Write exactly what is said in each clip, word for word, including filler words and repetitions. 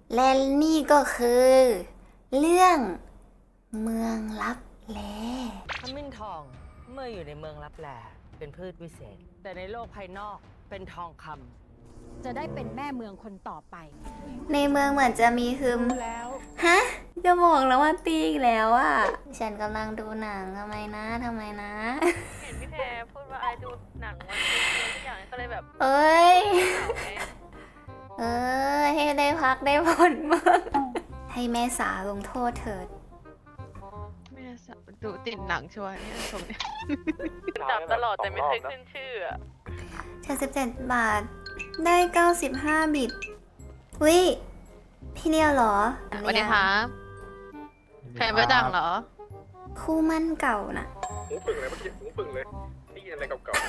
และนี่ก็คือ เรื่องเมืองลับแลขมิ้นทองเมื่ออยู่ในเมืองลับแลเป็นพืชวิเศษ แต่ในโลกภายนอกเป็นทองคำจะได้เป็นแม่เมืองคนต่อไปในเมืองเหมือนจะมีฮึมแล้วฮะจะบอกแล้วว่าตีอีกแล้วอ่ะ ฉันกำลังดูหนังทำไมนะทำไมนะเห็นพี่แพรพูดว่าไอดูหนังวันนี้ทุกอย่างก็เลยแบบเอ้ยเหงาไงเออ ให้ได้พักได้ผ่อนบ้างให้แม่สาลงโทษเถิดไม่ได้สับดูติดหนังชัวร์เนี่ยตรงเนี้ยจับตลอดแต่ไม่เคยขึ้นชื่ออะเจ็ดสิบเจ็ดบาท ได้เก้าสิบห้าบิตวิพี่เนียวเหรอสวัสดีครับแฟนประดังเหรอคู่มั่นเก่าน่ะหูปึ่งเลยเมื่อกี้หูปึ่งเลยนี่อะไรเก่า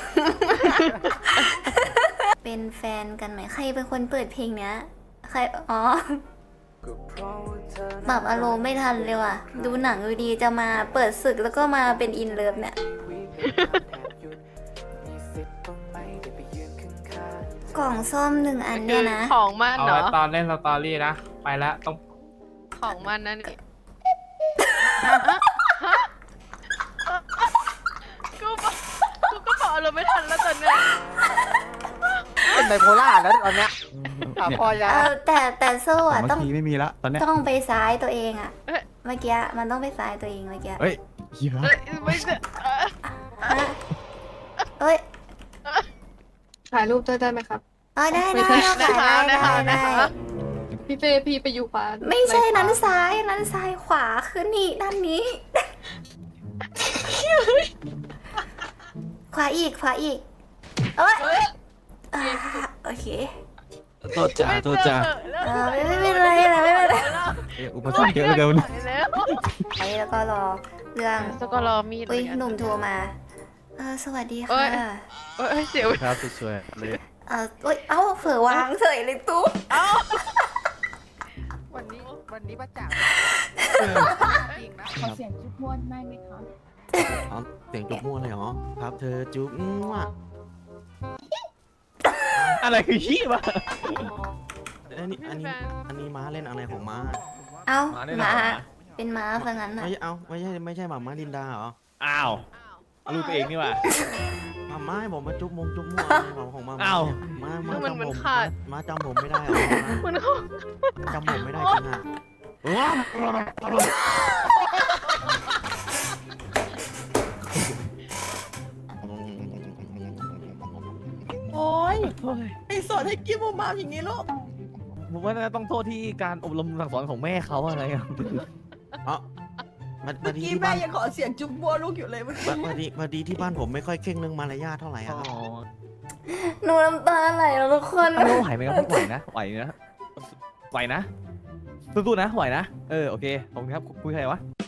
เป็นแฟนกันไหมใครเป็นคนเปิดเพลงเนี้ย ใคร อ๋อ ปรับอารมณ์ไม่ทันเลยว่ะ ดูหนังอยู่ดีจะมาเปิดศึกแล้วก็มาเป็นอินเลิฟเนี่ย กล่องส้มหนึ่งอันเนี่ยนะของมันเอาเหรอไว้ตอนเล่นสตอรี่นะ ไปแล้วต้องของมันนั่นนี่กูบอกกูก็บอกเราไม่ทันแล้วตอนเนี้ยเป็นไบโพล่าแล้วตอนเนี้ยอ่ะพอยาเออแต่แต่โซ่อะเมื่ต้องอกี้ไม่มีละตอนเนี้ยต้องไปซ้ายตัวเองอะเมื่อกี้มันต้องไปซ้ายตัวเองเมื่อกี้เฮ้ยเหี้ยเอ้ยไม่ใช่เอ้ยฮะเอ้ยถ่ายรูปด้วยได้ไหมครับเอ๋อได้ไม่ได้ใช่ได้นะคะได้นะคะได้นะคะได้พี่เฟพี่ไปอยู่ขวาไม่ใช่ปขวานั้นซ้ายนั้นซ้ายขวาคือนี่ด้านนี้ ขวาอีกขวาอีกเอ้ยอ่าโอเคโทษจ้าโทษจ้าเออไม่ไม่เป็นไรนะไม่เป็นไรเอ๊ะอุปสรรคเยอะเหลือเกินไปแล้วไปแล้วก็รอเรื่องสก็รอมีดอุ้ยเหมือนกันหนุ่มโทรมาเออสวัสดีเอ้ค่ะย เอ้ยเสียวครับสวยๆเลยเอออุ้ยเอ้าเผลอวางเฉยเลยตุ๊กวันนี้วันนี้ประจักษ์จริงนะขอเสียงจุ๊บม้วนได้ไหมคะอ๋อเสียงจุ๊บมั่วเลยเหรอครับเธอจุ๊บมั่วอะไรคือขี้วะอันนี้อันนี้อันนี้ม้าเล่นอะไรของม้าเอ้ามาได้หหรอมาเป็นม้าซะงั้นน่ะไม่ใช่เอาไม่ใช่ไม่ใช่หมาม้าลินดาเหรออ้าวลูกตัวเองนี่ว่ะหมาม้าให้ผมมาจุ๊บมงจุ๊บมั่วอะไรของของมาอ้าวม้าม้ามันจำมันผมขาดม้าจำผมไม่ได้เหรอมันเขาจำผมไม่ได้จริงอ่ะว้าวโอ้ยไอสอนให้กินมูมาอย่างนี้ลูกผมว่าน่าจะต้องโทษที่การอบรมสั่งสอนของแม่เขาอะไรอะอ๋อมาเมื่มาอดีกี้ที่แม่บ้านยังขอเสียงจุ๊บบัวลูกอยู่เลยเมื่อกี้มามาดีมาดีที่บ้านผมไม่ค่อยเข่งเรื่องมารยาทเท่าไหร่อ๋อะอหนูน้ำตาไหลแล้วทุกคนไม่ไหวไหมครับไหวนะไหวนะไหวนะสู้ๆนะไหวนะเออโอเคขอบคุณครับคุยใครวะ